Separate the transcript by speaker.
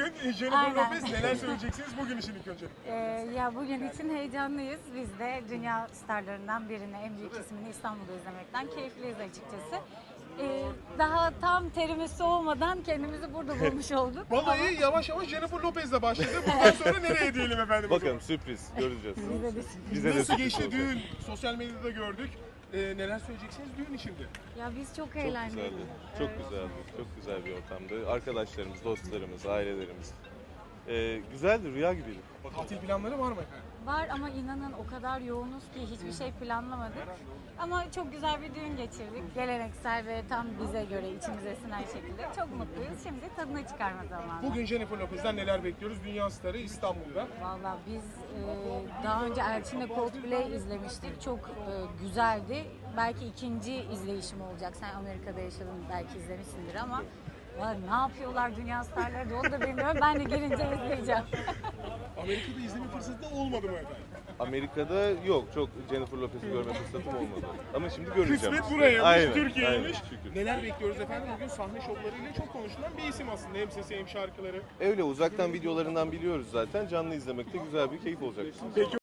Speaker 1: bugün Jennifer
Speaker 2: Aynen.
Speaker 1: Lopez, neler söyleyeceksiniz bugün için ilk önce?
Speaker 2: Ya bugün için heyecanlıyız. Biz de dünya starlarından birini, en büyük ismini İstanbul'da izlemekten keyifliyiz açıkçası. Daha tam terimiz soğumadan kendimizi burada bulmuş olduk.
Speaker 1: Vallahi yavaş yavaş Jennifer Lopez'le başladı. Bundan sonra nereye diyelim efendim?
Speaker 3: Bakalım, sürpriz göreceğiz.
Speaker 2: Bize de
Speaker 3: Bize de
Speaker 1: Nasıl
Speaker 3: sürpriz
Speaker 1: geçti
Speaker 3: olacak.
Speaker 1: düğün? Sosyal medyada gördük. Neler söyleyeceksiniz düğün içinde?
Speaker 2: Ya biz çok
Speaker 3: Çok
Speaker 2: eğlendik.
Speaker 3: güzeldi. Çok güzeldi. Çok güzel bir ortamdı. Arkadaşlarımız, dostlarımız, ailelerimiz. Güzeldi, rüya gibiydi.
Speaker 1: Tatil planları var mı efendim?
Speaker 2: Var ama inanın o kadar yoğunuz ki hiçbir şey planlamadık. Ama çok güzel bir düğün geçirdik. Geleneksel ve tam bize göre içimize sinen şekilde. Çok mutluyuz. Şimdi tadını çıkarma zamanı.
Speaker 1: Bugün Jennifer Lopez'den neler bekliyoruz? Dünya starı İstanbul'da.
Speaker 2: Valla biz daha önce Elçin'le Coldplay izlemiştik. Çok güzeldi. Belki ikinci izleyişim olacak. Sen Amerika'da yaşadın, belki izlemişsindir ama ne yapıyorlar dünya starları da onu da bilmiyorum. Ben de gelince izleyeceğim.
Speaker 1: Amerika'da izleme fırsatı da olmadı mı efendim?
Speaker 3: Amerika'da yok, çok Jennifer Lopez'i görme fırsatım olmadı. Ama şimdi göreceğim.
Speaker 1: Kısmet buraya,
Speaker 3: Aynen,
Speaker 1: Türkiye'ymiş.
Speaker 3: aynen, şükür.
Speaker 1: Neler bekliyoruz efendim? Bugün sahne şovlarıyla çok konuşulan bir isim aslında. Hem sesi hem şarkıları.
Speaker 3: Öyle uzaktan videolarından biliyoruz zaten. Canlı izlemekte güzel bir keyif olacak.
Speaker 1: Peki